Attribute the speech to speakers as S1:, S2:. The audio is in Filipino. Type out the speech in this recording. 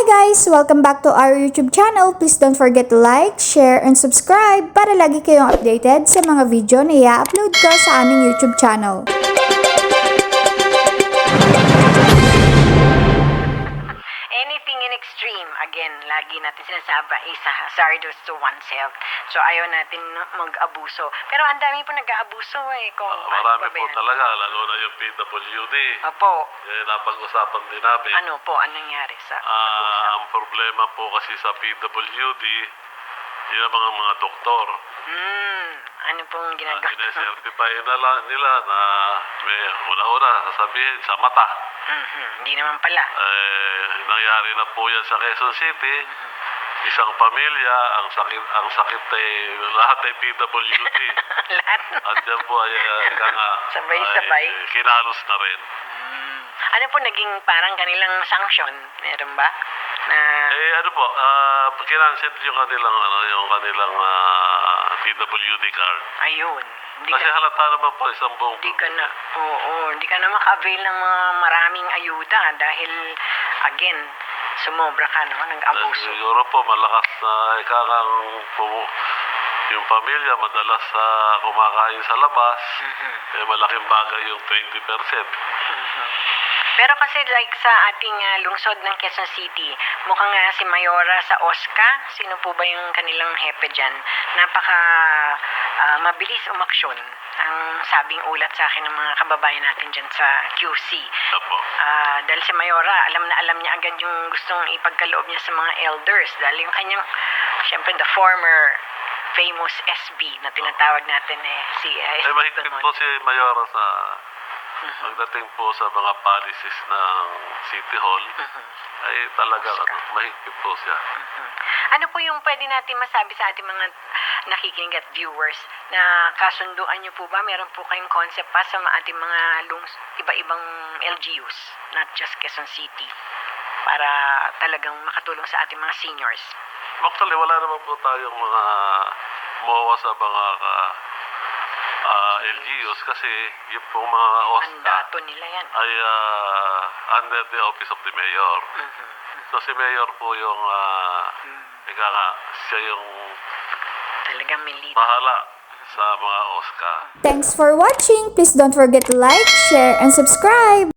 S1: Hi guys! Welcome back to our YouTube channel. Please don't forget to like, share, and subscribe para lagi kayong updated sa mga video na i-upload ko sa aming YouTube channel.
S2: Anything in extreme, again, lagi natin sinasabi, is hazardous to oneself. So, ayaw natin mag-abuso. Pero ang dami po nag-aabuso Kung
S3: Marami po talaga, lalo na yung PWD.
S2: Opo.
S3: Napag-usapan din namin.
S2: Ano po, anong nangyari sa pag-uusap?
S3: Ang problema po kasi sa PWD, yun ang mga doktor.
S2: Ano pong ginagawa?
S3: Sinesertify nila na may una-una sasabihin sa mata.
S2: Hindi naman pala.
S3: Nangyari na po yan sa Quezon City. Isang pamilya, ang sakit ay lahat ay PWD.
S2: Lahat?
S3: At yan po ay
S2: Sabay-sabay?
S3: kinalos na rin.
S2: Ano po naging parang kanilang sanction? Meron ba? Na...
S3: Ano po, kinancel yung kanilang PWD card.
S2: Ayun.
S3: Kasi halata naman po isang buong
S2: Hindi ka na maka-avail ng mga maraming ayuda dahil, again, sumobra ka, nag-abuso.
S3: Siguro po, malakas na yung pamilya, madalas kumakain sa labas, malaking bagay yung 20%.
S2: Pero kasi like sa ating lungsod ng Quezon City, mukhang si Mayora sa OSCA, sino po ba yung kanilang hepe dyan? Napaka mabilis umaksyon ang sabing ulat sa akin ng mga kababayan natin dyan sa QC.
S3: Opo.
S2: Dahil si Mayora, alam na alam niya agad yung gustong ipagkaloob niya sa mga elders. Dahil yung kanyang, syempre the former famous SB na tinatawag natin si SB.
S3: Mahigpit po si Mayora sa pagdating po sa mga policies ng City Hall, ay talaga mahigpit po siya.
S2: Ano po yung pwede natin masabi sa ating mga nakikinig at viewers na kasunduan niyo po ba? Meron po kayong concept pa sa ating mga iba-ibang LGUs, not just Quezon City, para talagang makatulong sa ating mga seniors?
S3: Actually, wala naman po tayong mga MOA sa mga LGUs kasi yung pong mga OSCA
S2: Mandato nila yan.
S3: ay under the office of the mayor. So si mayor po yung siya yung
S2: Talagang may lead.
S3: bahala sa mga OSCA.
S1: Thanks for watching! Please don't forget to like, share, and subscribe!